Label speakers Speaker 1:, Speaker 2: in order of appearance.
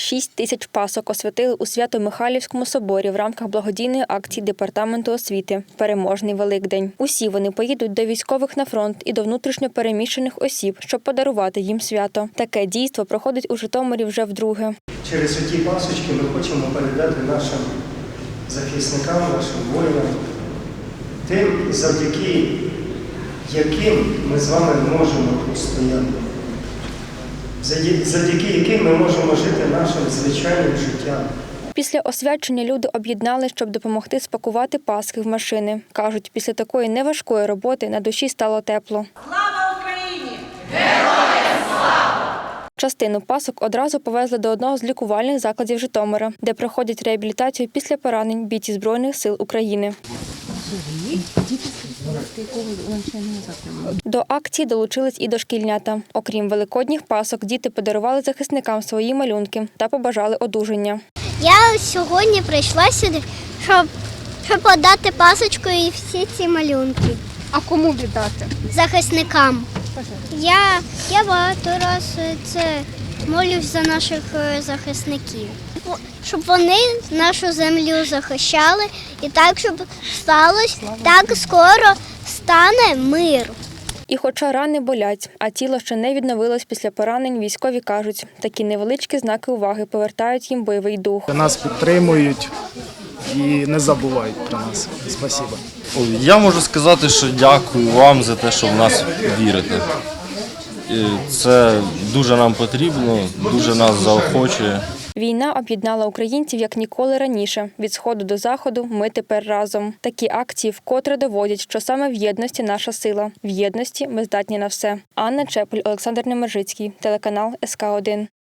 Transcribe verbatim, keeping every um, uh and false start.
Speaker 1: шість тисяч пасок освятили у Свято-Михайлівському соборі в рамках благодійної акції Департаменту освіти «Переможний Великдень». Усі вони поїдуть до військових на фронт і до внутрішньо переміщених осіб, щоб подарувати їм свято. Таке дійство проходить у Житомирі вже вдруге.
Speaker 2: Через ті пасочки ми хочемо передати нашим захисникам, нашим воїнам, тим, завдяки яким ми з вами можемо постояти, завдяки яким ми можемо жити нашим звичайним життям.
Speaker 1: Після освячення люди об'єднали, щоб допомогти спакувати пасхи в машини. Кажуть, після такої неважкої роботи на душі стало тепло.
Speaker 3: Слава Україні! Героям слава!
Speaker 1: Частину пасок одразу повезли до одного з лікувальних закладів Житомира, де проходять реабілітацію після поранень бійці Збройних сил України. До акції долучились і дошкільнята. Окрім великодніх пасок, діти подарували захисникам свої малюнки та побажали одужання.
Speaker 4: Я сьогодні прийшла сюди, щоб, щоб подати пасочку і всі ці малюнки.
Speaker 5: А кому віддати?
Speaker 4: Захисникам. Я, я багато разів це молюсь за наших захисників. Щоб вони нашу землю захищали і так, щоб сталося, так скоро стане мир.
Speaker 1: І хоча рани болять, а тіло ще не відновилось після поранень, військові кажуть, такі невеличкі знаки уваги повертають їм бойовий дух.
Speaker 6: Нас підтримують і не забувають про нас. Спасибо.
Speaker 7: Я можу сказати, що дякую вам за те, що в нас вірите. Це дуже нам потрібно, дуже нас заохочує.
Speaker 1: Війна об'єднала українців як ніколи раніше. Від сходу до заходу ми тепер разом. Такі акції вкотре доводять, що саме в єдності наша сила. В єдності ми здатні на все. Анна Чепель, Олександр Немержицький, телеканал ес ка один.